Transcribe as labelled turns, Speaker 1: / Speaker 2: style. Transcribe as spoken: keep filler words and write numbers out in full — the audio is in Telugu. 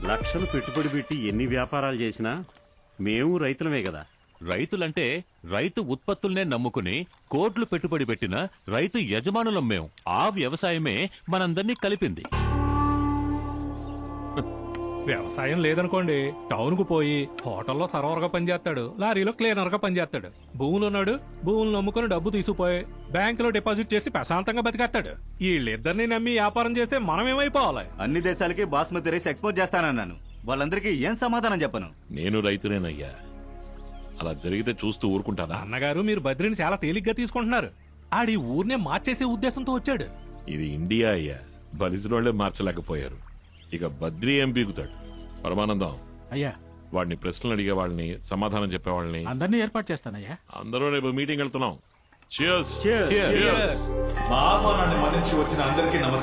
Speaker 1: లక్షలు పెట్టుబడి పెట్టి ఎన్ని వ్యాపారాలు చేసినా మేము రైతులమే కదా.
Speaker 2: రైతులంటే రైతు ఉత్పత్తుల్నే నమ్ముకుని కోట్లు పెట్టుబడి పెట్టిన రైతు యజమానులం మేం. ఆ వ్యవసాయమే మనందర్నీ కలిపింది.
Speaker 3: వ్యవసాయం లేదనుకోండి, టౌన్ కు పోయి హోటల్లో సర్వర్ గా పనిచేస్తాడు, లారీలో క్లీనర్ గా పనిచేస్తాడు. భూములు ఉన్నాడు, భూములు నమ్ముకుని డబ్బు తీసుకుపోయి బ్యాంకులో డిపాజిట్ చేసి ప్రశాంతంగా బతికేస్తాడు. వీళ్ళిద్దరిని నమ్మి వ్యాపారం చేస్తే మనం ఏమైపోవాలి?
Speaker 4: అన్ని దేశాలకి బాస్మతి రైస్ ఎక్స్పోర్ట్ చేస్తానన్నాను. వాళ్ళందరికీ ఏం సమాధానం చెప్పను?
Speaker 5: నేను రైతునేనయ్యా. అలా జరిగితే చూస్తూ ఊరుకుంటానా?
Speaker 3: అన్నగారు, మీరు బద్రిని చాలా తేలిగ్గా తీసుకుంటున్నారు. ఆడి ఊరినే మార్చేసే ఉద్దేశంతో వచ్చాడు.
Speaker 5: ఇది ఇండియా అయ్యా. బలిసినోళ్లే మార్చలేకపోయారు. ఇక బద్రి ఏం పీకుతాడు? పరమానందం
Speaker 6: అయ్యా,
Speaker 5: వాడిని ప్రశ్నలు అడిగే వాళ్ళని, సమాధానం చెప్పే వాళ్ళని
Speaker 6: అందరినీ ఏర్పాటు చేస్తానయ్యా.
Speaker 5: అందరూ రేపు మీటింగ్ వెళ్తున్నాం. Cheers.
Speaker 1: Cheers.
Speaker 5: Cheers.
Speaker 7: మా ఆహ్వానాన్ని మన్నించి వచ్చిన అందరికీ నమస్కారం.